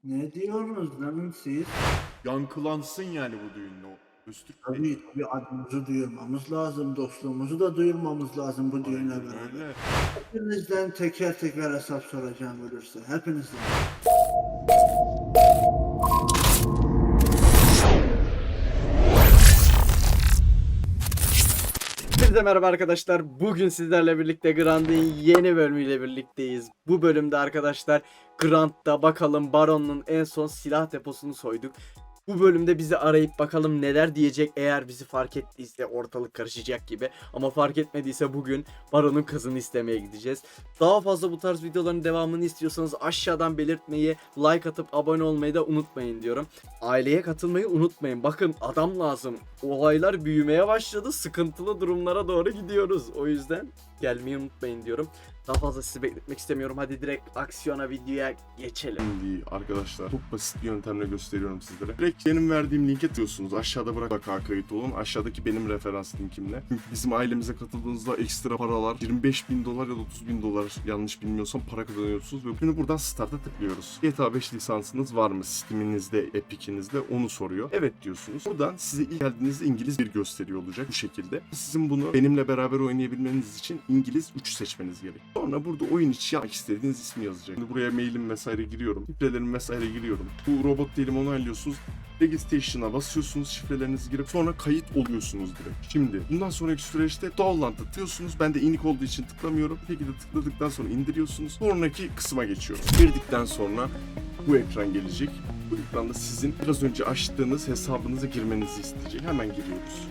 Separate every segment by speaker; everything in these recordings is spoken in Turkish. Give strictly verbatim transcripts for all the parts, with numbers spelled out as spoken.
Speaker 1: Ne diyorsunuz lan siz?
Speaker 2: Yankılansın yani bu düğünle o Öztürk Bey.
Speaker 1: Tabii tabii adımızı duyurmamız lazım, dostluğumuzu da duyurmamız lazım bu düğünle
Speaker 2: Aynen
Speaker 1: beraber.
Speaker 2: öyle.
Speaker 1: Hepinizden teker teker hesap soracağım ölürse, hepinizden.
Speaker 3: Hepinize merhaba arkadaşlar. Bugün sizlerle birlikte Grant'ın yeni bölümüyle birlikteyiz. Bu bölümde arkadaşlar Grant'ta bakalım Baron'un en son silah deposunu soyduk. Bu bölümde bizi arayıp bakalım neler diyecek, eğer bizi fark ettiyse ortalık karışacak gibi. Ama fark etmediyse bugün Baron'un kızını istemeye gideceğiz. Daha fazla bu tarz videoların devamını istiyorsanız aşağıdan belirtmeyi, like atıp abone olmayı da unutmayın diyorum. Aileye katılmayı unutmayın. Bakın adam lazım. Olaylar büyümeye başladı. Sıkıntılı durumlara doğru gidiyoruz. O yüzden gelmeyi unutmayın diyorum. Daha fazla sizi bekletmek istemiyorum. Hadi direkt aksiyona, videoya geçelim.
Speaker 2: Şimdi arkadaşlar çok basit bir yöntemle gösteriyorum sizlere. Direkt benim verdiğim linke tıklıyorsunuz. Aşağıda bırak bak kayıt olun. Aşağıdaki benim referans linkimle. Çünkü bizim ailemize katıldığınızda ekstra paralar yirmi beş bin dolar ya da otuz bin dolar yanlış bilmiyorsam para kazanıyorsunuz. Ve şimdi buradan start'a tıklıyoruz. G T A beş lisansınız var mı? Steam'inizde, Epic'inizde onu soruyor. Evet diyorsunuz. Buradan size ilk geldiğinizde İngiliz bir gösteriyor olacak bu şekilde. Sizin bunu benimle beraber oynayabilmeniz için İngiliz üç seçmeniz gerek. Sonra burada oyun içi yapmak istediğiniz ismi yazacak. Şimdi buraya mailim vesaire giriyorum. Şifrelerimi vesaire giriyorum. Bu robot değilim onaylıyorsunuz. Registration'a basıyorsunuz, şifrelerinizi girip sonra kayıt oluyorsunuz direkt. Şimdi bundan sonraki süreçte download atıyorsunuz. Ben de inik olduğu için tıklamıyorum. Bir şekilde tıkladıktan sonra indiriyorsunuz. Sonraki kısma geçiyoruz. Girdikten sonra bu ekran gelecek. Bu ekranda sizin biraz önce açtığınız hesabınıza girmenizi isteyecek. Hemen giriyoruz.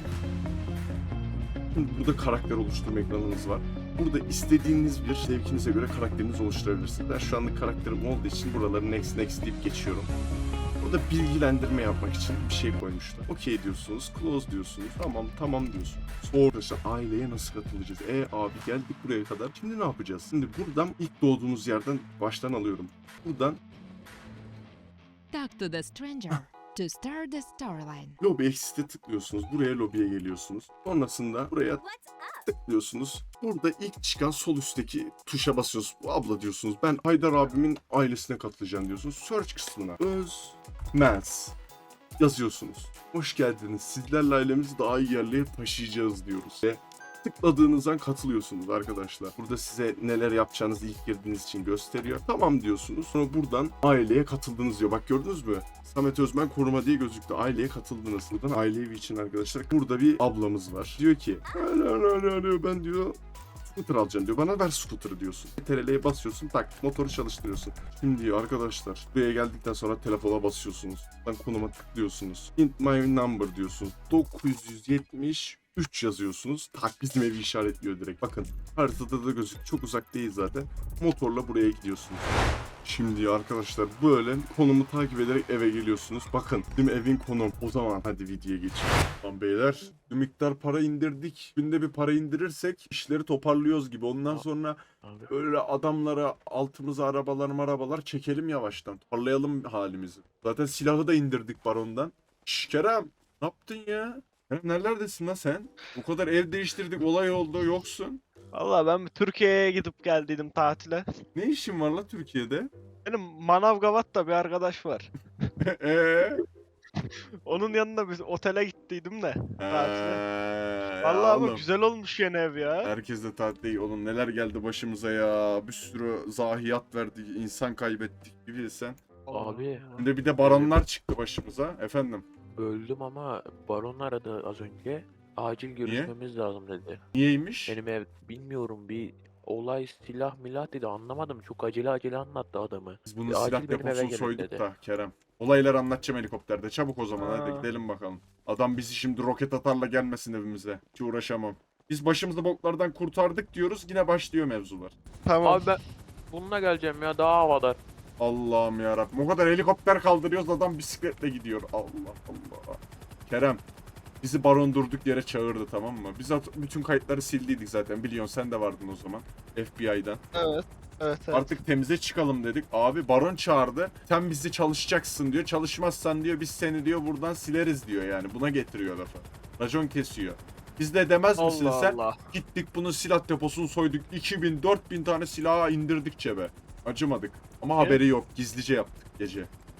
Speaker 2: Şimdi burada karakter oluşturma ekranınız var. Burada istediğiniz bir zevkinize göre karakterinizi oluşturabilirsiniz. Ben şu anlık karakterim olduğu için buraları next next deyip geçiyorum. Burada bilgilendirme yapmak için bir şey koymuşlar. Okey diyorsunuz, close diyorsunuz, tamam tamam diyorsunuz. Sonra arkadaşlar aileye nasıl katılacağız? E abi geldik buraya kadar. Şimdi ne yapacağız? Şimdi buradan ilk doğduğunuz yerden baştan alıyorum. Buradan
Speaker 4: Talk to the stranger to start the storyline.
Speaker 2: Lobby Exit'e tıklıyorsunuz. Buraya lobiye geliyorsunuz. Sonrasında buraya tıklıyorsunuz. Burada ilk çıkan sol üstteki tuşa basıyorsunuz. Bu abla diyorsunuz. Ben Haydar abimin ailesine katılacağım diyorsunuz. Search kısmına Özmez yazıyorsunuz. Hoş geldiniz. Sizlerle ailemizi daha iyi yerlere taşıyacağız diyoruz. Ve tıkladığınız an katılıyorsunuz arkadaşlar. Burada size neler yapacağınızı ilk girdiğiniz için gösteriyor. Tamam diyorsunuz. Sonra buradan aileye katıldınız diyor. Bak gördünüz mü? Samet Özmen koruma diye gözüktü. Aileye katıldınız. Buradan aile evi için arkadaşlar. Burada bir ablamız var. Diyor ki ben diyor scooter alacağım diyor. Bana ver scooter'ı diyorsun. C T R L'ye basıyorsun, tak motoru çalıştırıyorsun. Şimdi diyor arkadaşlar buraya geldikten sonra telefona basıyorsunuz. Ben konuma tıklıyorsunuz. Hint my number diyorsunuz. dokuz yüz yetmiş üç yazıyorsunuz. Tak bizim evi işaretliyor direkt. Bakın haritada da gözük. Çok uzak değil zaten. Motorla buraya gidiyorsunuz. Şimdi arkadaşlar böyle konumu takip ederek eve geliyorsunuz. Bakın bizim evin konum. O zaman hadi videoya geçelim. Tamam beyler bir miktar para indirdik. Günde bir para indirirsek işleri toparlıyoruz gibi. Ondan sonra böyle adamlara altımıza arabalar marabalar çekelim yavaştan. Toparlayalım halimizi. Zaten silahı da indirdik barondan. Şş Kerem ne yaptın ya? Kerem nerelerdesin lan sen? Bu kadar ev değiştirdik olay oldu yoksun.
Speaker 5: Valla ben bir Türkiye'ye gidip geldiydim tatile.
Speaker 2: Ne işin var la Türkiye'de?
Speaker 5: Benim Manavgat'ta bir arkadaş var.
Speaker 2: Eee?
Speaker 5: Onun yanında bir otele gittiydim de tatile.
Speaker 2: Eee,
Speaker 5: Valla
Speaker 2: ya
Speaker 5: ama
Speaker 2: oğlum,
Speaker 5: güzel olmuş yeni ev ya.
Speaker 2: herkes de tatil değil. Oğlum neler geldi başımıza ya. Bir sürü zahiyat verdik, insan kaybettik bir bilsen.
Speaker 6: Abi
Speaker 2: Şimdi bir de baronlar çıktı başımıza. Efendim,
Speaker 6: öldüm ama baron aradı az önce. Acil görüşmemiz lazım dedi.
Speaker 2: niyeymiş?
Speaker 6: Benim ev bilmiyorum bir olay silah milah dedi anlamadım. Çok acele acele anlattı adamı.
Speaker 2: Biz bunun
Speaker 6: Bir
Speaker 2: silah
Speaker 6: acil benim eve
Speaker 2: deposunu
Speaker 6: gelin
Speaker 2: soyduk
Speaker 6: dedi.
Speaker 2: da Kerem. Olayları anlatacağım helikopterde. Çabuk o zaman hadi
Speaker 5: Aa.
Speaker 2: gidelim bakalım. Adam bizi şimdi roket atarla gelmesin evimize. Hiç uğraşamam. Biz başımızı boklardan kurtardık diyoruz. Yine başlıyor mevzular.
Speaker 5: Tamam.
Speaker 6: Abi ben bununla geleceğim ya daha havadar.
Speaker 2: Allah'ım yarabbim. O kadar helikopter kaldırıyoruz adam bisikletle gidiyor. Allah Allah. Kerem. Bizi baron durduk yere çağırdı tamam mı? Biz at- bütün kayıtları sildiydik zaten. Biliyorsun sen de vardın o zaman. F B I'dan.
Speaker 5: Evet. Evet evet.
Speaker 2: Artık temize çıkalım dedik. Abi baron çağırdı. Sen bizi çalışacaksın diyor. Çalışmazsan diyor biz seni diyor buradan sileriz diyor yani. Buna getiriyor lafı. Racon kesiyor. Biz de demez misin
Speaker 5: Allah
Speaker 2: sen?
Speaker 5: Allah.
Speaker 2: Gittik bunun silah deposunu soyduk. iki bin dört bin tane silahı indirdik cebe. Acımadık. Ama
Speaker 5: Ne?
Speaker 2: haberi yok. Gizlice yaptık gece.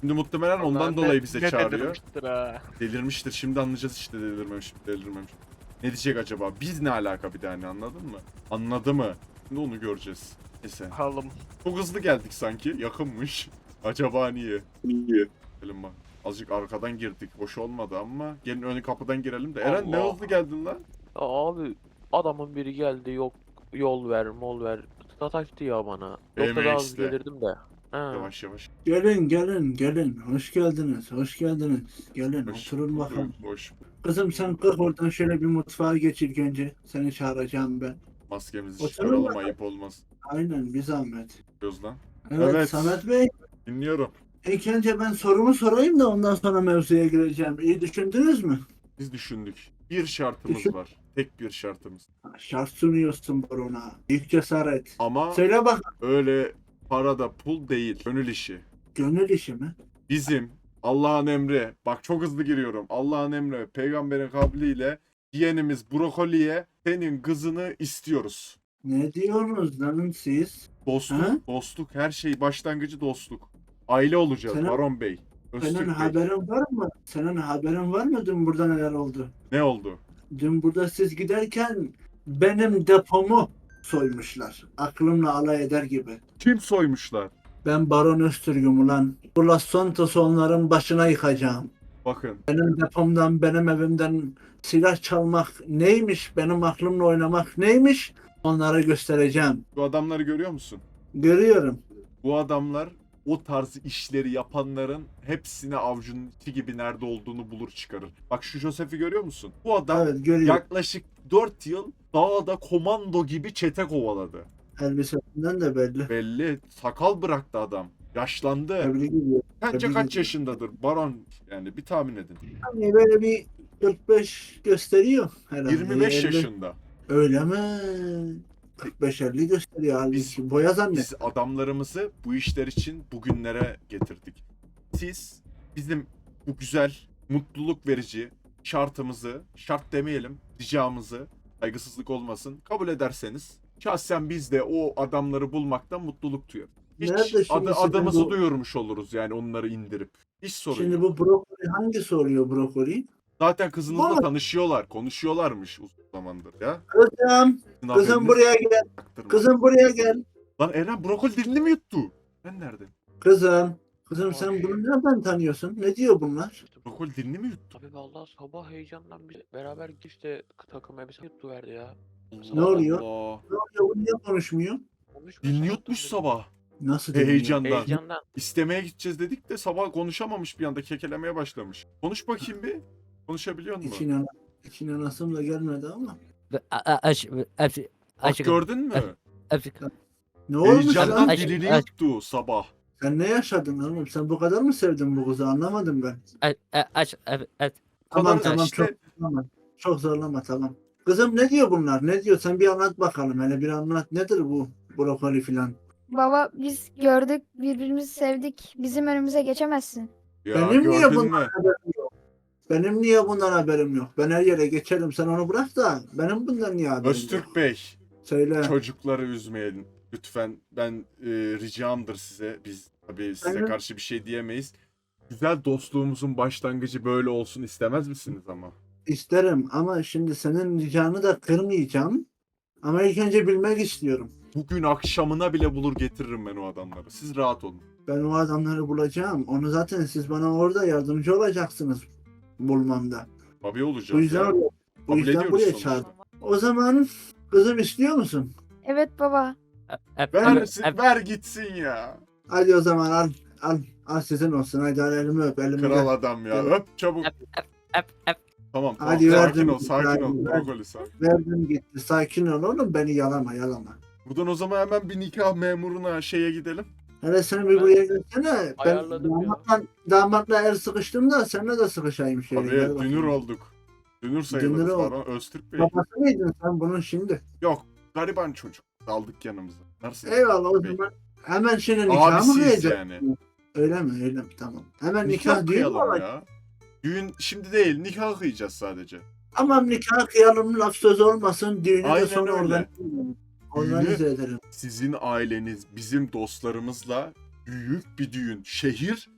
Speaker 2: Şimdi muhtemelen ondan
Speaker 5: Ulan ne-
Speaker 2: dolayı bize
Speaker 5: ne
Speaker 2: çağırıyor.
Speaker 5: delirmiştir ha.
Speaker 2: Delirmiştir. Şimdi anlayacağız işte delirmemiş, delirmemiş. Ne diyecek acaba? Biz ne alaka bir tane anladın mı? Anladı mı? Şimdi onu göreceğiz. Neyse.
Speaker 5: Bakalım.
Speaker 2: Çok hızlı geldik sanki. Yakınmış. Acaba niye? Niye? Gelin bak. Azıcık arkadan girdik. Hoş olmadı ama. Gelin ön kapıdan girelim de. Eren ne
Speaker 6: Allah.
Speaker 2: hızlı geldin lan?
Speaker 6: Ya abi adamın biri geldi yok yol ver mol ver. Sataştı ya bana. Yoksa daha hızlı
Speaker 2: işte.
Speaker 6: gelirdim de. Ha.
Speaker 2: Yavaş yavaş.
Speaker 1: Gelin gelin gelin. Hoş geldiniz. Hoş geldiniz. Gelin
Speaker 2: Hoş
Speaker 1: oturun
Speaker 2: bulduk,
Speaker 1: bakalım.
Speaker 2: Hoş.
Speaker 1: Kızım sen kalk oradan şöyle bir mutfağa geç ilk önce. Seni çağıracağım ben.
Speaker 2: Maskemizi
Speaker 1: Oturun
Speaker 2: çıkaralım
Speaker 1: bakalım.
Speaker 2: ayıp olmaz.
Speaker 1: Aynen bir zahmet.
Speaker 2: Diyoruz lan.
Speaker 1: Evet,
Speaker 2: Evet.
Speaker 1: Samet Bey.
Speaker 2: Dinliyorum.
Speaker 1: İlk önce ben sorumu sorayım da ondan sonra mevzuya gireceğim. İyi düşündünüz mü?
Speaker 2: Biz düşündük. Bir şartımız
Speaker 1: Düşün.
Speaker 2: var. Tek bir şartımız.
Speaker 1: Ha, şart sunuyorsun barona. İlk cesaret.
Speaker 2: Ama
Speaker 1: Söyle bak.
Speaker 2: öyle parada pul değil. Gönül işi.
Speaker 1: Gönül işi mi?
Speaker 2: Bizim Allah'ın emri. Bak çok hızlı giriyorum. Allah'ın emri. Peygamberin kavliyle yeğenimiz Brokoli'ye senin kızını istiyoruz.
Speaker 1: Ne diyorsunuz lan siz?
Speaker 2: Dostluk,
Speaker 1: Ha?
Speaker 2: dostluk. Her şey başlangıcı dostluk. Aile olacağız
Speaker 1: Senin-
Speaker 2: Baron Bey. Öztürk
Speaker 1: Senin
Speaker 2: Bey.
Speaker 1: haberin var mı? Senin haberin var mı dün burada neler oldu?
Speaker 2: Ne oldu?
Speaker 1: Dün burada siz giderken benim depomu soymuşlar. Aklımla alay eder gibi.
Speaker 2: Kim soymuşlar?
Speaker 1: Ben Baron Öztürk'üm ulan. Bu Los Santos'u onların başına yıkacağım.
Speaker 2: Bakın.
Speaker 1: Benim depomdan, benim evimden silah çalmak neymiş? Benim aklımla oynamak neymiş? Onlara göstereceğim.
Speaker 2: Bu adamları görüyor musun?
Speaker 1: Görüyorum.
Speaker 2: Bu adamlar o tarz işleri yapanların hepsine avucunun içi gibi nerede olduğunu bulur çıkarır. Bak şu Joseph'i görüyor musun? Bu adam
Speaker 1: Evet görüyorum.
Speaker 2: yaklaşık dört yıl dağda komando gibi çete kovaladı.
Speaker 1: Elbisesinden de belli.
Speaker 2: Belli. Sakal bıraktı adam. Yaşlandı.
Speaker 1: Tebrik ediyorum.
Speaker 2: Sence
Speaker 1: tebrik
Speaker 2: kaç
Speaker 1: ediyorum.
Speaker 2: yaşındadır? Baron yani bir tahmin edin.
Speaker 1: Hani böyle bir kırk beş gösteriyor herhalde.
Speaker 2: yirmi beş
Speaker 1: elli.
Speaker 2: yaşında.
Speaker 1: Öyle mi? kırk beş elli gösteriyor halbuki.
Speaker 2: Biz-
Speaker 1: Boya zannet.
Speaker 2: Biz adamlarımızı bu işler için bugünlere getirdik. Siz bizim bu güzel, mutluluk verici şartımızı, şart demeyelim, ricamızı, saygısızlık olmasın, kabul ederseniz şahsen biz de o adamları bulmaktan mutluluk duyuyoruz. Hiç
Speaker 1: Nerede şimdi
Speaker 2: adı,
Speaker 1: sizin
Speaker 2: adımızı
Speaker 1: bu-
Speaker 2: duyurmuş oluruz yani onları indirip. Hiç sorun
Speaker 1: Şimdi
Speaker 2: yok.
Speaker 1: bu brokoli hangisi oluyor brokoli?
Speaker 2: Zaten kızınızla
Speaker 1: Vallahi-
Speaker 2: tanışıyorlar, konuşuyorlarmış uzun zamandır ya.
Speaker 1: Kızım,
Speaker 2: Sizin
Speaker 1: kızım
Speaker 2: haberiniz
Speaker 1: buraya gel.
Speaker 2: yaktırma.
Speaker 1: Kızım buraya gel.
Speaker 2: Lan Eren brokoli dilini mi yuttu? Ben nerede?
Speaker 1: Kızım. Kızım sen bunu nereden tanıyorsun? Ne diyor bunlar?
Speaker 2: Brokoli dilini mi yuttu?
Speaker 6: Abi vallahi sabah heyecandan biz beraber işte takım elbise yuttu verdi ya.
Speaker 1: Ne oluyor?
Speaker 2: Allah.
Speaker 1: Ne oluyor? Bu niye konuşmuyor?
Speaker 6: Konuşmuyor,
Speaker 2: Dilini
Speaker 6: sabahtan
Speaker 2: yutmuş
Speaker 6: beri.
Speaker 2: sabah.
Speaker 1: Nasıl
Speaker 2: He,
Speaker 1: dinliyor?
Speaker 2: heyecandan.
Speaker 6: Heyecandan.
Speaker 2: İstemeye gideceğiz dedik de sabah konuşamamış bir anda kekelemeye başlamış. Konuş bakayım bir. Konuşabiliyor musun?
Speaker 1: İçine, içine nasım da gelmedi ama.
Speaker 7: Aç, aç,
Speaker 2: Bak
Speaker 7: aç,
Speaker 2: gördün mü?
Speaker 7: aç,
Speaker 1: Ne olmuş
Speaker 2: Heyecandan
Speaker 1: lan?
Speaker 7: Aç-
Speaker 2: dilini
Speaker 7: aç-
Speaker 2: yuttu sabah.
Speaker 1: Sen ne yaşadın oğlum? Sen bu kadar mı sevdin bu kızı? Anlamadım ben.
Speaker 7: aç, aç, aç.
Speaker 1: Tamam
Speaker 2: kadar
Speaker 1: tamam
Speaker 2: işte-
Speaker 1: çok zorlama. Çok zorlama tamam. Kızım ne diyor bunlar? Ne diyor? Sen bir anlat bakalım. Hele bir anlat. Nedir bu brokoli filan?
Speaker 8: Baba biz gördük, birbirimizi sevdik. Bizim önümüze geçemezsin.
Speaker 2: Ya
Speaker 1: Benim niye
Speaker 2: gördün
Speaker 1: bundan
Speaker 2: mü?
Speaker 1: haberim yok? Benim niye bundan haberim yok? Ben her yere geçerim. Sen onu bırak da benim bundan niye haberim yok?
Speaker 2: Öztürk Bey,
Speaker 1: Söyle.
Speaker 2: çocukları üzmeyelim. Lütfen ben e, ricamdır size. Biz tabii size
Speaker 1: Hı hı.
Speaker 2: karşı bir şey diyemeyiz. Güzel dostluğumuzun başlangıcı böyle olsun istemez misiniz ama?
Speaker 1: İsterim ama şimdi senin ricanı da kırmayacağım. Ama ilk önce bilmek istiyorum.
Speaker 2: Bugün akşamına bile bulur getiririm ben o adamları. Siz rahat olun.
Speaker 1: Ben o adamları bulacağım. Onu zaten siz bana orada yardımcı olacaksınız bulmamda.
Speaker 2: Tabii olacağız
Speaker 1: Bu yüzden,
Speaker 2: ya.
Speaker 1: bu
Speaker 2: Kabul
Speaker 1: yüzden
Speaker 2: ediyoruz
Speaker 1: buraya
Speaker 2: sonuçta.
Speaker 1: çağırdım. O zaman kızım istiyor musun?
Speaker 8: Evet baba.
Speaker 2: Ver, ver gitsin ya.
Speaker 1: Hadi o zaman al al al sizin olsun. Hadi al elimi öp elimi
Speaker 2: Kral
Speaker 1: ver.
Speaker 2: adam ya.
Speaker 1: Evet.
Speaker 2: Öp çabuk. Tamam tamam.
Speaker 1: Hadi
Speaker 2: sakin
Speaker 1: verdim.
Speaker 2: ol sakin ol.
Speaker 1: Verdim.
Speaker 2: Brokoli sakin.
Speaker 1: Verdim gitti. Sakin ol oğlum beni yalama yalama.
Speaker 2: Buradan o zaman hemen bir nikah memuruna şeye gidelim.
Speaker 1: Hele sen bir
Speaker 6: Ben
Speaker 1: buraya gelsene. Ben
Speaker 6: ayarladım ya.
Speaker 1: damatla, damatla el sıkıştım da seninle de sıkışayım şöyle.
Speaker 2: Tabii
Speaker 1: Gel bakayım.
Speaker 2: dünür olduk. Dünür sayılırız
Speaker 1: Dünür olduk.
Speaker 2: Baron Öztürk Bey.
Speaker 1: Babası mıydın sen bunun şimdi?
Speaker 2: Yok gariban çocuk. Aldık yanımıza. Nasıl?
Speaker 1: Eyvallah o
Speaker 2: Bey.
Speaker 1: zaman hemen şimdi nikah mı
Speaker 2: Abisiyiz
Speaker 1: kıyacak?
Speaker 2: yani.
Speaker 1: Öyle mi öyle mi tamam. Hemen
Speaker 2: Nikah
Speaker 1: nikah, düğün mü
Speaker 2: kıyalım
Speaker 1: olacak?
Speaker 2: ya. Düğün şimdi değil nikah kıyacağız sadece.
Speaker 1: Tamam nikah kıyalım laf söz olmasın. Düğünü
Speaker 2: Aynen
Speaker 1: de sonra
Speaker 2: öyle.
Speaker 1: organize ederim. Organize ederim.
Speaker 2: Sizin aileniz bizim dostlarımızla büyük bir düğün. Şehir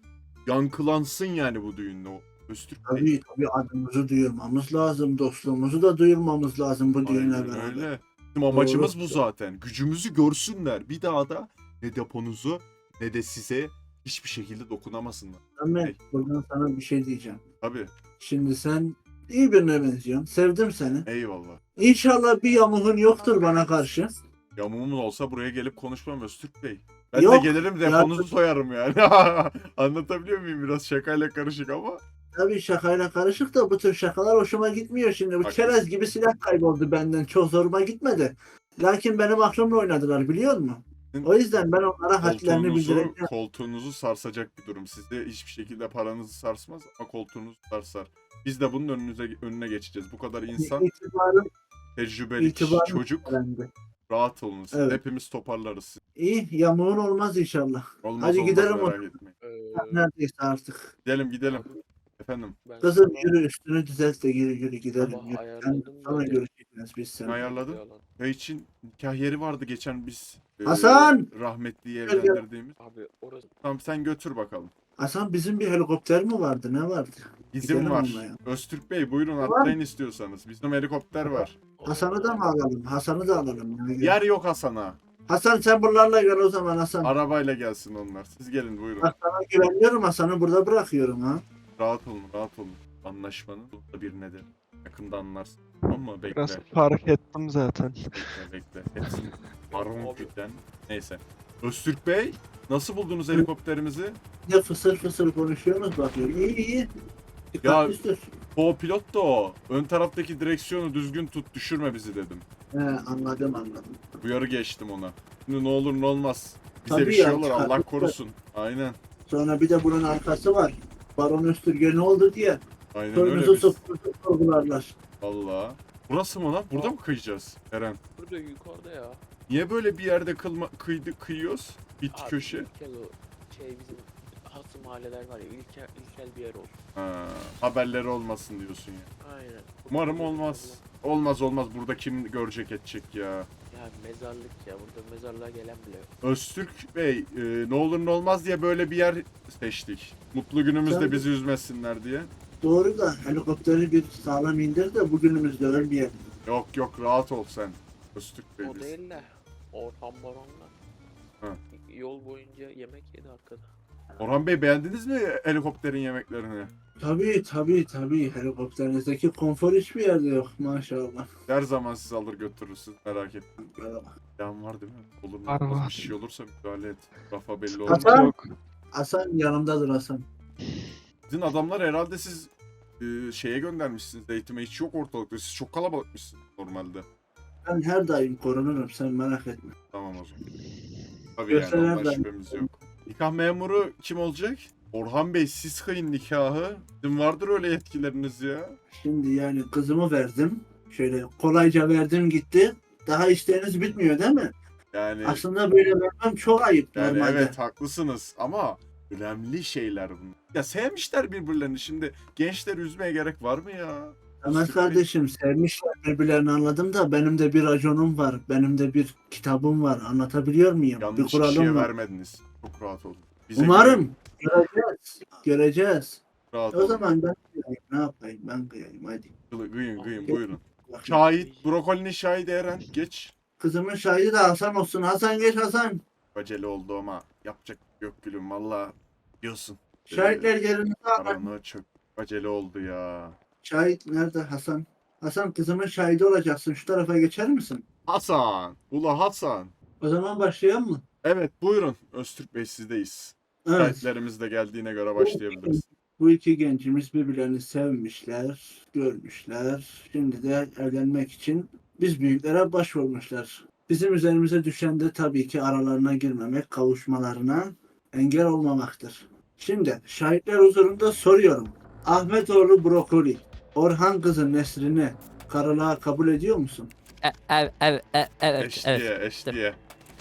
Speaker 2: yankılansın yani bu düğünde o. Öztürk Bey.
Speaker 1: Tabii tabii adımızı duyurmamız lazım. Dostluğumuzu da duyurmamız lazım bu düğünle
Speaker 2: Aynen
Speaker 1: beraber.
Speaker 2: öyle. Bizim amacımız bu
Speaker 1: Doğru.
Speaker 2: zaten. Gücümüzü görsünler. Bir daha da ne deponuzu ne de size hiçbir şekilde dokunamasınlar.
Speaker 1: Ahmet buradan sana bir şey diyeceğim.
Speaker 2: Tabii.
Speaker 1: Şimdi sen iyi birine benziyorsun. Sevdim seni.
Speaker 2: Eyvallah.
Speaker 1: İnşallah bir yamuğun yoktur bana karşı.
Speaker 2: Yamuğum olsa buraya gelip konuşmam Öztürk Bey. Ben
Speaker 1: Yok,
Speaker 2: de gelirim deponuzu soyarım yani. Anlatabiliyor muyum? Biraz şakayla karışık ama.
Speaker 1: Tabii şakayla karışık da bu tür şakalar hoşuma gitmiyor şimdi. Bu
Speaker 2: Haklısın.
Speaker 1: çerez gibi silah kayboldu benden. Çok zoruma gitmedi. Lakin benim aklımla oynadılar biliyor musun? O yüzden ben onlara hadlerini
Speaker 2: Koltuğunuzu,
Speaker 1: bildireceğim.
Speaker 2: koltuğunuzu sarsacak bir durum. Sizde hiçbir şekilde paranızı sarsmaz ama koltuğunuzu sarsar. Biz de bunun önünüze, önüne geçeceğiz. Bu kadar insan,
Speaker 1: İtibarım
Speaker 2: tecrübeli
Speaker 1: itibarım
Speaker 2: çocuk.
Speaker 1: öğrendi.
Speaker 2: Rahat olun. Siz
Speaker 1: Evet.
Speaker 2: hepimiz toparlarız.
Speaker 1: İyi yamuğun olmaz inşallah.
Speaker 2: Olmaz
Speaker 1: Hadi
Speaker 2: olmaz
Speaker 1: gidelim o-
Speaker 2: merak etmeyin.
Speaker 6: Ee,
Speaker 1: Neredeyse artık.
Speaker 2: Gidelim gidelim. Efendim
Speaker 6: ben
Speaker 1: Kızım
Speaker 6: sabah-
Speaker 1: yürü üstünü düzelt de yürü yürü gidelim.
Speaker 6: Sabah
Speaker 1: Yürü.
Speaker 6: ayarladım
Speaker 1: Yani sonra
Speaker 6: böyle.
Speaker 1: görüşeceğiz biz seninle.
Speaker 2: ayarladın. Köy için nikah yeri vardı geçen biz. e,
Speaker 1: Hasan!
Speaker 2: Rahmetliyi
Speaker 1: Gel, gel.
Speaker 2: evlendirdiğimiz.
Speaker 6: Abi orası
Speaker 2: Tamam sen götür bakalım.
Speaker 1: Hasan bizim bir helikopter mi vardı? Ne vardı?
Speaker 2: İzin
Speaker 1: Gidelim
Speaker 2: var.
Speaker 1: onunla ya.
Speaker 2: Öztürk Bey buyurun
Speaker 1: Tamam.
Speaker 2: atlayın istiyorsanız. Bizim helikopter var.
Speaker 1: Hasan'ı da mı alalım? Hasan'ı da alalım. Yani.
Speaker 2: Yer yok Hasan'a.
Speaker 1: Hasan sen buralarla gel o zaman Hasan.
Speaker 2: Arabayla gelsin onlar. Siz gelin buyurun.
Speaker 1: Bak sana güveniyorum Hasan'ı burada bırakıyorum ha.
Speaker 2: Rahat olun rahat olun. Anlaşmanın da bir nedeni. Yakında anlarsın. Tamam mı? Bekle.
Speaker 5: Biraz fark ettim zaten.
Speaker 2: Bekle bekle. Hepsini baron güden. Neyse. Öztürk Bey nasıl buldunuz helikopterimizi?
Speaker 1: Ne fısır fısır konuşuyorsunuz bakıyorum. İyi iyi.
Speaker 2: Ya-
Speaker 1: Dikkatli sür.
Speaker 2: Co-pilot da o. Ön taraftaki direksiyonu düzgün tut düşürme bizi dedim.
Speaker 1: He anladım anladım.
Speaker 2: Uyarı geçtim ona. Şimdi ne olur ne olmaz. Bize
Speaker 1: Tabii
Speaker 2: bir şey
Speaker 1: ya,
Speaker 2: olur Allah
Speaker 1: çıkarttık da.
Speaker 2: korusun. Aynen.
Speaker 1: Sonra bir de bunun arkası var. Baron Öztürk'e ne oldu diye.
Speaker 2: Aynen öyle
Speaker 1: Soyunuzu
Speaker 2: biz.
Speaker 1: sokunuzu sorgularlar.
Speaker 2: Valla. Burası mı lan? Burada mı kıyacağız Eren?
Speaker 6: burada yukarıda ya.
Speaker 2: Niye böyle bir yerde kılma, kıydı, kıyıyoruz? Bit
Speaker 6: Abi
Speaker 2: köşe.
Speaker 6: İlkel o şey bizim hasım mahalleler var ya ilkel, ilkel bir yer olsun.
Speaker 2: Ha, haberleri olmasın diyorsun ya.
Speaker 6: Aynen.
Speaker 2: Umarım olmaz. Olmaz olmaz. Burada kim görecek edecek ya.
Speaker 6: Ya mezarlık ya burada mezarlığa gelen bile yok.
Speaker 2: Öztürk Bey e, ne olur ne olmaz diye böyle bir yer seçtik. Mutlu günümüzde
Speaker 1: Tabii.
Speaker 2: bizi üzmesinler diye.
Speaker 1: Doğru da helikopteri bir sağlam indir de bugünümüzde ölmeyelim.
Speaker 2: Yok yok rahat ol sen. Öztürk Bey
Speaker 6: O
Speaker 2: biz.
Speaker 6: değil de Orhan Baron'la
Speaker 2: Ha.
Speaker 6: yol boyunca yemek yedi arkada.
Speaker 2: Orhan Bey beğendiniz mi helikopterin yemeklerini?
Speaker 1: Tabii tabii tabii helikopterinizdeki konfor hiçbir yerde yok maşallah.
Speaker 2: Her zaman sizi alır götürürsün merak etmeyin.
Speaker 1: Böyle bak.
Speaker 2: Yan var değil mi? Olur mu?
Speaker 5: Var,
Speaker 2: olmaz,
Speaker 5: var.
Speaker 2: Bir şey olursa müdahale et. Rafa belli olmaz.
Speaker 1: Hasan!
Speaker 5: Yok.
Speaker 1: Hasan yanımdadır Hasan.
Speaker 2: Sizin adamlar herhalde siz e, şeye göndermişsiniz. Eğitime hiç yok ortalıkta. Siz çok kalabalıkmışsınız normalde.
Speaker 1: Ben her daim korunurum sen merak etme.
Speaker 2: Tamam o zaman. Tabii
Speaker 1: Görseler
Speaker 2: yani ondan
Speaker 1: ben-
Speaker 2: şüphemiz yok. Nikah memuru kim olacak? Orhan Bey siz kıyın nikahı. Sizin vardır öyle yetkileriniz ya.
Speaker 1: Şimdi yani kızımı verdim. Şöyle kolayca verdim gitti. Daha isteğiniz bitmiyor değil mi?
Speaker 2: Yani,
Speaker 1: Aslında böyle vermem çok ayıp
Speaker 2: yani
Speaker 1: normalde.
Speaker 2: evet haklısınız ama önemli şeyler bunlar. Ya sevmişler birbirlerini şimdi. Gençleri üzmeye gerek var mı ya?
Speaker 1: Ahmet kardeşim sevmişler birbirlerini anladım da benim de bir raconum var. Benim de bir kitabım var. Anlatabiliyor muyum? bir
Speaker 2: Yanlış
Speaker 1: kuralım
Speaker 2: kişiye
Speaker 1: var.
Speaker 2: vermediniz. Çok rahat olun. Bize
Speaker 1: Umarım. Göreceğiz. Göreceğiz.
Speaker 2: rahat
Speaker 1: O
Speaker 2: olun.
Speaker 1: zaman ben kıyayım. Ne yapayım? Ben kıyayım hadi.
Speaker 2: Kıyın kıyın
Speaker 1: Bak-
Speaker 2: buyurun.
Speaker 1: Bak-
Speaker 2: Şahit, brokolinin şahidi Eren. Geç.
Speaker 1: Kızımın şahidi de Hasan olsun. Hasan geç Hasan.
Speaker 2: Acele oldu ama yapacak yok gülüm valla. Diyorsun.
Speaker 1: Şahitler yerinize alın.
Speaker 2: Karanlığa çok acele oldu ya.
Speaker 1: Şahit nerede Hasan? Hasan kızımın şahidi olacaksın. Şu tarafa geçer misin?
Speaker 2: Hasan. Ula Hasan.
Speaker 1: O zaman başlayalım mı?
Speaker 2: Evet buyurun. Öztürk Bey sizdeyiz.
Speaker 1: Evet.
Speaker 2: Şahitlerimiz de geldiğine göre başlayabiliriz.
Speaker 1: Bu iki gencimiz birbirlerini sevmişler, görmüşler. Şimdi de evlenmek için biz büyüklere başvurmuşlar. Bizim üzerimize düşen de tabii ki aralarına girmemek, kavuşmalarına engel olmamaktır. Şimdi şahitler huzurunda soruyorum. Ahmetoğlu Brokoli, Orhan kızı Nesrin'i karılığa kabul ediyor musun?
Speaker 7: E- ev- ev- e- Evet,
Speaker 2: Eş
Speaker 7: evet.
Speaker 2: diye eş diye.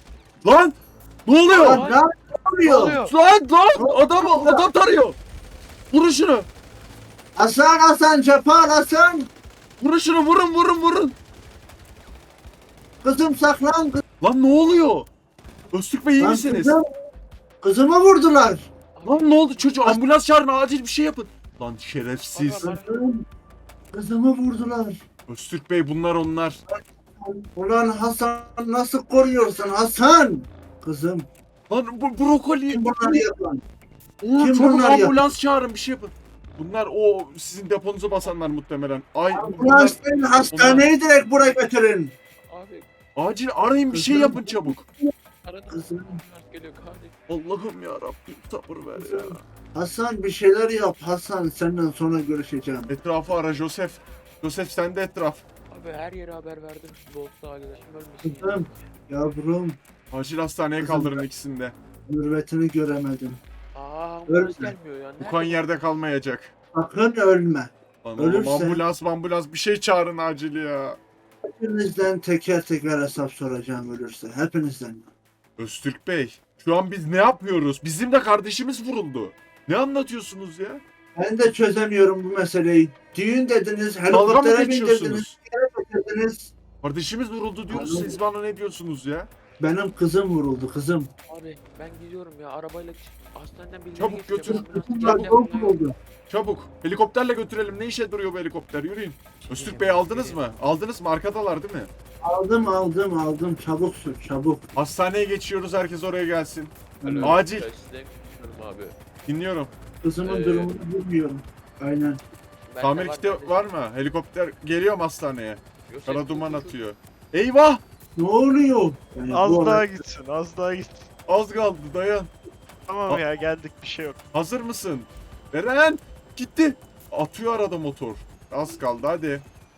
Speaker 2: Lan! Ne oluyor?
Speaker 1: Lan ne yapıyor?
Speaker 5: oluyor?
Speaker 2: Lan lan! Adam adam tarıyor. Vurun şunu.
Speaker 1: Hasan Hasan Cepal Hasan!
Speaker 2: Vurun şunu vurun vurun vurun.
Speaker 1: Kızım saklan!
Speaker 2: Lan ne oluyor? Öztürk Bey iyi
Speaker 1: Lan
Speaker 2: misiniz?
Speaker 1: kızım, kızımı vurdular.
Speaker 2: Lan ne oldu çocuğu? Ambulans çağırın, acil bir şey yapın. Lan şerefsiz.
Speaker 1: Kızım, kızımı vurdular.
Speaker 2: Öztürk Bey bunlar onlar.
Speaker 1: Ulan Hasan nasıl koruyorsun Hasan? Kızım
Speaker 2: Lan bu brokoli.
Speaker 1: kim bunları yapan?
Speaker 2: Oğlum
Speaker 1: Kim
Speaker 2: çabuk
Speaker 1: bunlar ya?
Speaker 2: ambulans çağırın, bir şey yapın. Bunlar o sizin deponuzu basanlar muhtemelen. Ay bunlar,
Speaker 1: Ambulans değil hastaneyi direkt buraya götürün.
Speaker 6: Abi
Speaker 2: acil arayın, bir şey yapın çabuk.
Speaker 6: aradım.
Speaker 1: Kızım.
Speaker 6: Ambulans geliyor kardeşim.
Speaker 2: Allah'ım ya Rabbim sabır ver ya.
Speaker 1: Hasan bir şeyler yap Hasan, senden sonra görüşeceğim.
Speaker 2: Etrafı ara Joseph. Joseph sen de etraf.
Speaker 6: Abi her yere haber verdim. Şimdi olsa arkadaşım ölmesin.
Speaker 1: Kızım yavrum
Speaker 2: Acil hastaneye
Speaker 1: Kızım.
Speaker 2: kaldırın ikisini de.
Speaker 1: mürvetini göremedim.
Speaker 6: Aa
Speaker 1: Ölme.
Speaker 6: ambulans gelmiyor ya.
Speaker 2: Bu kan yerde kalmayacak.
Speaker 1: Sakın ölme.
Speaker 2: Lan oğlum
Speaker 1: Ölürse-
Speaker 2: ambulans ambulans bir şey çağırın acil ya.
Speaker 1: Hepinizden teker teker hesap soracağım ölürse. Hepinizden.
Speaker 2: Öztürk Bey şu an biz ne yapıyoruz? Bizim de kardeşimiz vuruldu. Ne anlatıyorsunuz ya?
Speaker 1: Ben de çözemiyorum bu meseleyi. Düğün dediniz,
Speaker 2: Dalga mı
Speaker 1: helikoptere bindirdiniz,
Speaker 2: geçiyorsunuz?
Speaker 1: getirdiniz.
Speaker 2: Kardeşimiz vuruldu diyoruz,
Speaker 1: Anladım.
Speaker 2: siz bana ne diyorsunuz ya?
Speaker 1: Benim kızım vuruldu kızım.
Speaker 6: Abi ben gidiyorum ya arabayla çık- hastaneden birileri
Speaker 2: Çabuk
Speaker 6: geçiyor.
Speaker 2: götür.
Speaker 6: Ambulans
Speaker 1: Kızım
Speaker 6: geldi,
Speaker 1: çok
Speaker 6: ambulans-
Speaker 1: vuruldu.
Speaker 2: Çabuk helikopterle götürelim, ne işe duruyor bu helikopter, yürüyün. Öztürk Bey aldınız mı? Aldınız mı? Arkadalar değil mi?
Speaker 1: Aldım aldım aldım, çabuk sür çabuk.
Speaker 2: Hastaneye geçiyoruz, herkes oraya gelsin.
Speaker 6: Alo,
Speaker 2: Acil.
Speaker 6: ben sizden konuşuyorum abi.
Speaker 2: Dinliyorum.
Speaker 1: Kızımın
Speaker 6: Ee,
Speaker 1: durumunu bilmiyorum. Aynen.
Speaker 6: Ben
Speaker 2: Tamir
Speaker 6: de
Speaker 2: kiti
Speaker 6: kardeşim.
Speaker 2: var mı? Helikopter geliyor mu hastaneye?
Speaker 6: Yosef,
Speaker 2: Kara duman
Speaker 6: dur, dur, dur.
Speaker 2: atıyor. Eyvah!
Speaker 1: Ne oluyor? Yani
Speaker 5: Az
Speaker 1: bu
Speaker 5: daha
Speaker 1: olay-
Speaker 5: gitsin, az daha gitsin.
Speaker 2: Az kaldı, dayan.
Speaker 5: Tamam
Speaker 2: Aa.
Speaker 5: ya, geldik, bir şey yok.
Speaker 2: Hazır mısın? Eren! Gitti. Atıyor arada motor. Az kaldı, hadi.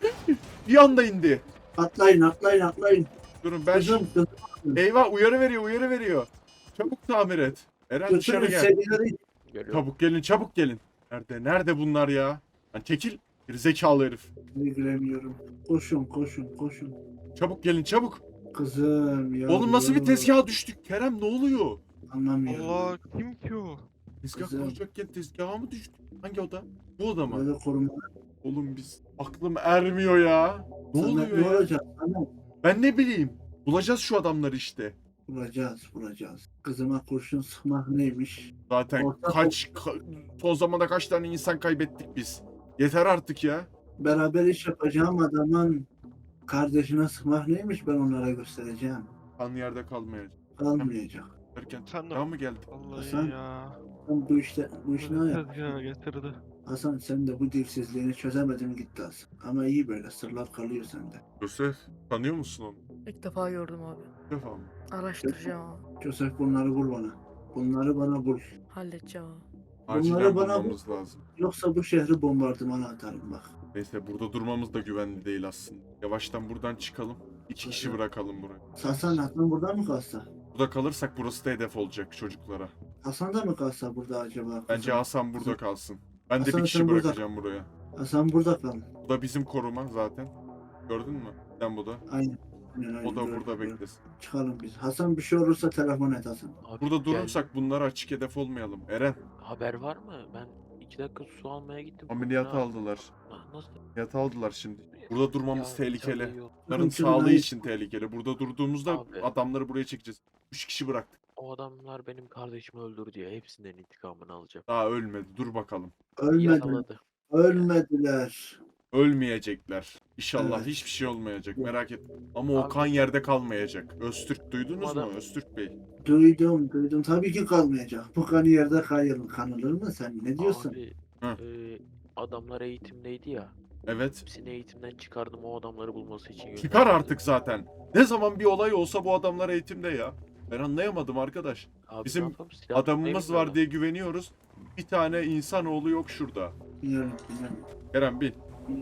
Speaker 2: Bir anda indi.
Speaker 1: Atlayın atlayın atlayın.
Speaker 2: Durun ben...
Speaker 1: Kızım kızım.
Speaker 2: Eyvah, uyarı veriyor, uyarı veriyor. Çabuk tamir et. Eren dışarı
Speaker 1: Götürün
Speaker 2: gel.
Speaker 1: sedileri.
Speaker 6: Geliyorum.
Speaker 2: Çabuk gelin, çabuk gelin. Nerede, nerede bunlar ya? Lan çekil. Bir zekalı herif.
Speaker 1: Bilemiyorum. Koşun koşun koşun.
Speaker 2: Çabuk gelin, çabuk.
Speaker 1: Kızım ya.
Speaker 2: Oğlum nasıl bir tezgaha düştük? Kerem ne oluyor?
Speaker 1: Anlamıyorum.
Speaker 5: Allah, kim ki o?
Speaker 2: Tezgah
Speaker 1: Kızım.
Speaker 2: kuracakken tezgaha mı düştük? Hangi oda? Bu oda mı?
Speaker 1: Böyle koruma.
Speaker 2: Oğlum biz aklım ermiyor ya. Ne
Speaker 1: Sana
Speaker 2: oluyor
Speaker 1: ne
Speaker 2: ya?
Speaker 1: olacak? Sana
Speaker 2: Ben ne bileyim. Bulacağız şu adamları işte.
Speaker 1: vuracağız vuracağız. Kızıma kurşun sıkmak neymiş?
Speaker 2: Zaten
Speaker 1: Orta-
Speaker 2: kaç ka- son zamanda kaç tane insan kaybettik biz. Yeter artık ya.
Speaker 1: Beraber iş yapacağım adamın kardeşine sıkmak neymiş ben onlara göstereceğim.
Speaker 2: Kan yerde kalmayacak.
Speaker 1: Kalmayacak.
Speaker 2: Derken
Speaker 5: Sen de-
Speaker 2: daha mı geldik?
Speaker 5: Vallahi
Speaker 1: Hasan,
Speaker 5: ya.
Speaker 1: Sen bu işte bu iş ne yap?
Speaker 5: Ya getirdi.
Speaker 1: Hasan sen de bu dilsizliğini çözemedin gitti Hasan. Ama iyi böyle sırlar kalıyor sende.
Speaker 2: Yosef tanıyor musun onu?
Speaker 9: İlk defa gördüm abi.
Speaker 2: Bir defa mı?
Speaker 9: Araştıracağım abi.
Speaker 1: Joseph bunları bul bana. Bunları bana bul.
Speaker 9: Halledeceğim abi.
Speaker 2: Acilen
Speaker 1: Bunları bana
Speaker 2: bulmamız lazım.
Speaker 1: Yoksa bu şehri bombardımana atarım bak.
Speaker 2: Neyse burada durmamız da güvenli değil aslında. Yavaştan buradan çıkalım. İki kişi
Speaker 1: Hasan.
Speaker 2: bırakalım buraya.
Speaker 1: Hasan Hasan burada mı kalsa?
Speaker 2: Burada kalırsak burası da hedef olacak çocuklara.
Speaker 1: Hasan da mı kalsa burada acaba?
Speaker 2: Bence
Speaker 1: Kızım?
Speaker 2: Hasan burada kalsın. Ben de
Speaker 1: Hasan,
Speaker 2: bir kişi
Speaker 1: sen burada-
Speaker 2: bırakacağım buraya.
Speaker 1: Hasan burada kal.
Speaker 2: Bu da bizim koruma zaten. Gördün mü? Sen bu da.
Speaker 1: Aynen. Aynen, aynen.
Speaker 2: O da
Speaker 1: Gördüm,
Speaker 2: burada
Speaker 1: gördüm.
Speaker 2: beklesin.
Speaker 1: Çıkalım biz. Hasan bir şey olursa telefon et Hasan.
Speaker 6: Abi,
Speaker 2: Burada
Speaker 6: gel.
Speaker 2: durursak bunlara açık hedef olmayalım. Eren,
Speaker 6: Haber var mı? Ben iki dakika su almaya gittim.
Speaker 2: ameliyata
Speaker 6: Ne-
Speaker 2: aldılar.
Speaker 6: Na- Nasıl?
Speaker 2: Ameliyata aldılar şimdi. Burada durmamız
Speaker 6: Ya,
Speaker 2: tehlikeli.
Speaker 6: canı yok.
Speaker 2: Onların
Speaker 1: Çünkü
Speaker 2: sağlığı
Speaker 1: ben-
Speaker 2: için tehlikeli. Burada durduğumuzda
Speaker 6: Abi.
Speaker 2: adamları buraya çekeceğiz. Üç kişi bıraktık.
Speaker 6: O adamlar benim kardeşimi öldürdü ya. Hepsinden intikamını alacağım.
Speaker 2: Daha ölmedi. Dur bakalım.
Speaker 1: Ölmediler.
Speaker 6: Yakaladı.
Speaker 1: Ölmediler.
Speaker 2: Ölmeyecekler. İnşallah
Speaker 1: Evet.
Speaker 2: hiçbir şey olmayacak. Merak etme. Ama o
Speaker 6: Abi.
Speaker 2: kan yerde kalmayacak. Öztürk duydunuz
Speaker 6: Adam-
Speaker 2: mu? Öztürk Bey.
Speaker 1: Duydum duydum. Tabii ki kalmayacak. Bu kanı yerde kayır, kanılır mı sen? Ne diyorsun?
Speaker 6: Abi
Speaker 2: Hı.
Speaker 6: e, adamlar eğitimdeydi ya.
Speaker 2: Evet.
Speaker 6: Hepsini eğitimden çıkardım o adamları bulması için.
Speaker 2: Çıkar
Speaker 6: yönlendirdim.
Speaker 2: artık zaten. Ne zaman bir olay olsa bu adamlar eğitimde ya. Ben anlayamadım arkadaş.
Speaker 6: Abi,
Speaker 2: Bizim
Speaker 6: ne yapalım? Silah
Speaker 2: Adamımız
Speaker 6: tutmayı
Speaker 2: var diye güveniyoruz. Bir tane insanoğlu yok şurada.
Speaker 1: Biliyorum, biliyorum.
Speaker 2: Kerem bin.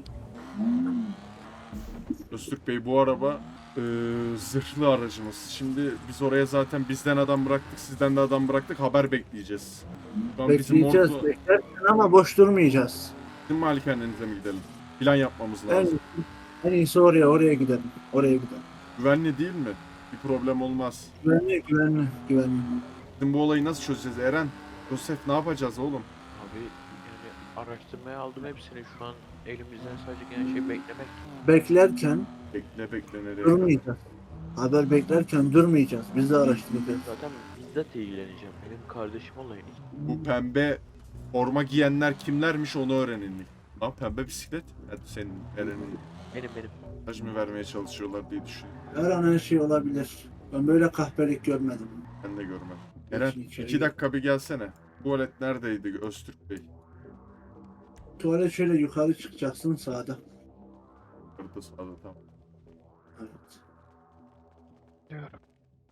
Speaker 2: Öztürk Bey bu araba eee, zırhlı aracımız. Şimdi biz oraya zaten bizden adam bıraktık, sizden de adam bıraktık. Haber bekleyeceğiz. Şu an bizim
Speaker 1: Bekleyeceğiz,
Speaker 2: ordu,
Speaker 1: beklerken ama boş durmayacağız.
Speaker 2: bizim malikanenize mi gidelim? Plan yapmamız
Speaker 1: En,
Speaker 2: lazım.
Speaker 1: en iyisi oraya, oraya gidelim. Oraya gidelim.
Speaker 2: Güvenli değil mi? Bir problem olmaz.
Speaker 1: Güvenli, güvenli, güvenli.
Speaker 2: Bizim bu olayı nasıl çözeceğiz Eren? Joseph ne yapacağız oğlum?
Speaker 6: Abi yani araştırmaya aldım hepsini. Şu an elimizden sadece gelen şey beklemek.
Speaker 1: Beklerken
Speaker 2: Bekle bekle nereye?
Speaker 1: durmayacağız. Haber beklerken durmayacağız. Biz de araştıracağız.
Speaker 6: Zaten bizzat ilgileneceğim. Benim kardeşim olayın.
Speaker 2: Bu pembe forma giyenler kimlermiş onu öğrenin. Lan pembe bisiklet. Hadi senin Eren'in
Speaker 6: Benim benim.
Speaker 2: mesaj mı vermeye çalışıyorlar diye düşünüyorum.
Speaker 1: Her an her şey olabilir. Ben böyle kahpelik görmedim.
Speaker 2: Ben de görmedim. Eren
Speaker 1: Geçin içeri.
Speaker 2: iki dakika bir gelsene. Tuvalet neredeydi Öztürk Bey?
Speaker 1: Tuvalet şöyle yukarı çıkacaksın sağda.
Speaker 2: Orada sağda tamam.
Speaker 1: Evet.
Speaker 5: Diyorum.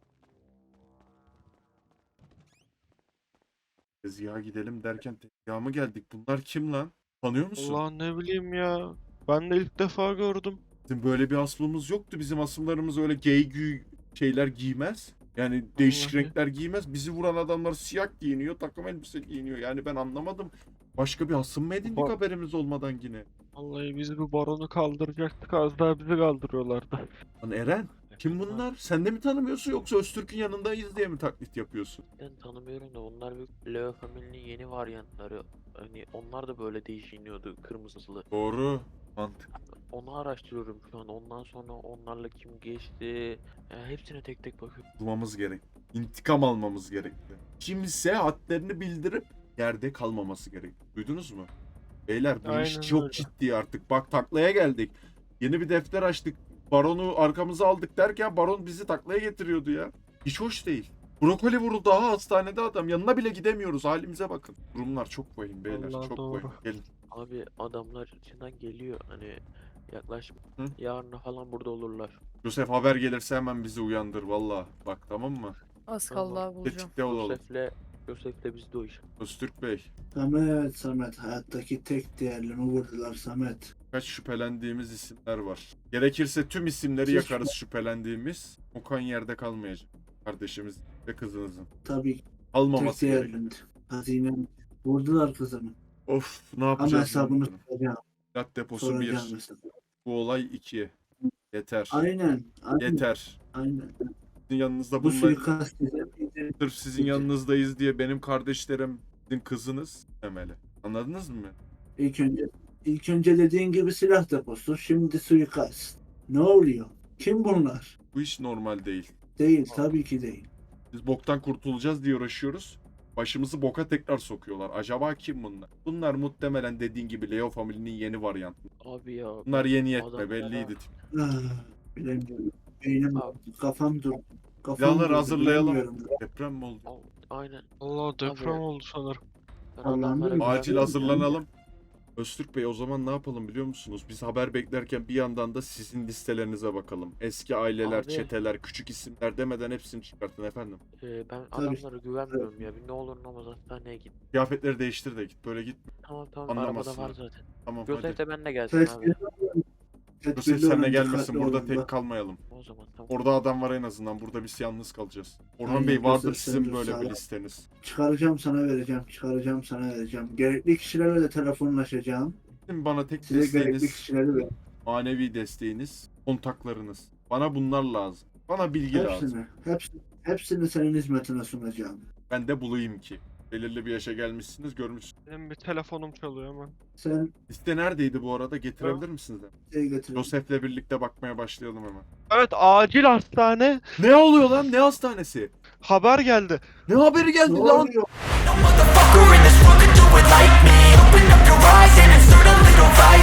Speaker 2: Tezgaha gidelim derken tezgaha mı geldik? Bunlar kim lan? Tanıyor musun?
Speaker 5: Allah ne bileyim ya. Ben de ilk defa gördüm.
Speaker 2: Bizim böyle bir aslımız yoktu. Bizim asımlarımız öyle gay gü şeyler giymez. Yani değişik
Speaker 5: Vallahi.
Speaker 2: renkler giymez. Bizi vuran adamlar siyah giyiniyor, takım elbise giyiniyor. Yani ben anlamadım. Başka bir asım mı edindik
Speaker 5: Ba-
Speaker 2: haberimiz olmadan yine?
Speaker 5: Vallahi biz bu baronu kaldıracaktık. Az daha bizi kaldırıyorlardı.
Speaker 2: Lan Eren, kim bunlar? Sen de mi tanımıyorsun yoksa Öztürk'ün yanındayız diye mi taklit yapıyorsun?
Speaker 6: Ben tanımıyorum da onlar bir Leo Family'nin yeni varyantları. Hani onlar da böyle değişiniyordu kırmızılı.
Speaker 2: Doğru. Mantık.
Speaker 6: Onu araştırıyorum şu an. Ondan sonra onlarla kim geçti. Yani hepsine tek tek bakıyorum.
Speaker 2: Durmamız gerek. İntikam almamız gerekli. Kimse hadlerini bildirip yerde kalmaması gerek. Duydunuz mu? Beyler bu iş
Speaker 5: Aynen
Speaker 2: çok
Speaker 5: öyle.
Speaker 2: ciddi artık. Bak taklaya geldik. Yeni bir defter açtık. Baronu arkamıza aldık derken baron bizi taklaya getiriyordu ya. Hiç hoş değil. Brokoli vuruldu daha hastanede adam. Yanına bile gidemiyoruz. Halimize bakın. Durumlar çok vahim beyler.
Speaker 5: Vallahi
Speaker 2: çok
Speaker 5: doğru.
Speaker 2: vahim. Gelin.
Speaker 6: Abi adamlar içinden geliyor. Hani yaklaşma.
Speaker 2: Hı?
Speaker 6: Yarına falan burada olurlar.
Speaker 2: Yusuf haber gelirse hemen bizi uyandır valla. Bak tamam mı?
Speaker 9: Az
Speaker 6: Tamam.
Speaker 9: kaldı abi bulacağım.
Speaker 2: Tetikte olalım.
Speaker 6: Yosef'le Yosef'le bizde o iş.
Speaker 2: Öztürk Bey.
Speaker 1: Samet, Samet. Hayattaki tek değerlimi vurdular Samet.
Speaker 2: Kaç şüphelendiğimiz isimler var. Gerekirse tüm isimleri
Speaker 1: Siz-
Speaker 2: yakarız şüphelendiğimiz. Okan yerde kalmayacak. Kardeşimiz ve kızınızın.
Speaker 1: Tabii tek
Speaker 2: Almaması gerek.
Speaker 1: değerlimdi. Hazinem. Vurdular kızımı.
Speaker 2: Of ne
Speaker 1: Ama
Speaker 2: yapacağız?
Speaker 1: hesabını
Speaker 2: bunu?
Speaker 1: soracağım.
Speaker 2: Silah deposu
Speaker 1: Soracağım
Speaker 2: bir.
Speaker 1: hesabını.
Speaker 2: Bu olay iki. Yeter.
Speaker 1: Aynen. Aynen.
Speaker 2: Yeter.
Speaker 1: Aynen.
Speaker 2: Sizin yanınızda
Speaker 1: Bu
Speaker 2: bunlar.
Speaker 1: suikast size miydi?
Speaker 2: Sırf sizin yanınızdayız diye benim kardeşlerim, sizin kızınız demeli. Anladınız mı?
Speaker 1: İlk önce ilk önce dediğin gibi silah deposu, şimdi suikast. Ne oluyor? Kim bunlar?
Speaker 2: Bu iş normal değil.
Speaker 1: Değil, tabii ki değil.
Speaker 2: Biz boktan kurtulacağız diye uğraşıyoruz. Başımızı boka tekrar sokuyorlar. Acaba kim bunlar? Bunlar muhtemelen dediğin gibi Leo Family'nin yeni varyantı.
Speaker 6: Abi ya.
Speaker 2: Bunlar yeni yetme
Speaker 6: adamlara-
Speaker 2: belliydi.
Speaker 1: Ah, bilemiyorum. Beynim,
Speaker 6: Abi.
Speaker 1: kafam dur. Kafam
Speaker 2: Silahları
Speaker 1: durdu,
Speaker 2: hazırlayalım.
Speaker 1: bilemiyorum.
Speaker 2: Deprem mi oldu?
Speaker 6: Al- Aynen.
Speaker 5: Allah deprem
Speaker 6: Abi.
Speaker 5: oldu sanırım.
Speaker 6: Ben
Speaker 1: Allah'ım
Speaker 6: adamlara
Speaker 1: benim.
Speaker 6: güven-
Speaker 2: Acil hazırlanalım. Öztürk Bey o zaman ne yapalım biliyor musunuz? Biz haber beklerken bir yandan da sizin listelerinize bakalım. Eski aileler,
Speaker 6: Abi.
Speaker 2: çeteler, küçük isimler demeden hepsini çıkartın efendim.
Speaker 6: Ee, ben
Speaker 1: Tabii.
Speaker 6: adamlara güvenmiyorum ya. Bir ne olur ne olmaz hastaneye git.
Speaker 2: Kıyafetleri değiştir de git. Böyle git.
Speaker 6: Tamam tamam arabada
Speaker 2: Anlamasınlar.
Speaker 6: var zaten.
Speaker 2: Tamam
Speaker 6: Yosef
Speaker 2: hadi.
Speaker 6: de benimle gelsin
Speaker 1: Tedbirli
Speaker 6: abi.
Speaker 1: olun.
Speaker 2: Yusuf
Speaker 1: Tedbirli
Speaker 2: seninle
Speaker 1: olun,
Speaker 2: gelmesin.
Speaker 1: dikkatli
Speaker 2: Burada
Speaker 1: olun.
Speaker 2: tek
Speaker 1: Bak,
Speaker 2: kalmayalım.
Speaker 6: O zaman tamam.
Speaker 2: Orada adam var en azından. Burada biz yalnız kalacağız. Orhan
Speaker 1: Aynen,
Speaker 2: Bey vardır
Speaker 1: Yusuf,
Speaker 2: sizin
Speaker 1: sen dur,
Speaker 2: böyle
Speaker 1: sağ
Speaker 2: bir
Speaker 1: ol.
Speaker 2: listeniz.
Speaker 1: Çıkaracağım sana vereceğim. Çıkaracağım sana vereceğim. Gerekli kişilerle de telefonlaşacağım.
Speaker 2: Şimdi bana tek
Speaker 1: Size gerekli
Speaker 2: desteğiniz,
Speaker 1: kişileri ver.
Speaker 2: manevi desteğiniz, kontaklarınız. Bana bunlar lazım. Bana bilgi lazım.
Speaker 1: Hepsini, hepsini, hepsini senin hizmetine sunacağım.
Speaker 2: Ben de bulayım ki. Belirli bir yaşa gelmişsiniz, görmüşsünüz.
Speaker 5: Benim bir telefonum çalıyor hemen.
Speaker 1: Sen
Speaker 2: Liste neredeydi bu arada? Getirebilir misiniz?
Speaker 1: şey getir.
Speaker 2: Yosef'le birlikte bakmaya başlayalım hemen.
Speaker 5: Evet acil hastane.
Speaker 2: Ne oluyor lan? Ne hastanesi?
Speaker 5: Haber geldi.
Speaker 2: Ne haberi geldi
Speaker 1: Ne
Speaker 2: lan?
Speaker 1: oluyor?
Speaker 10: Motherfucker in this world could do it like me. Open up your eyes and insert a little vice.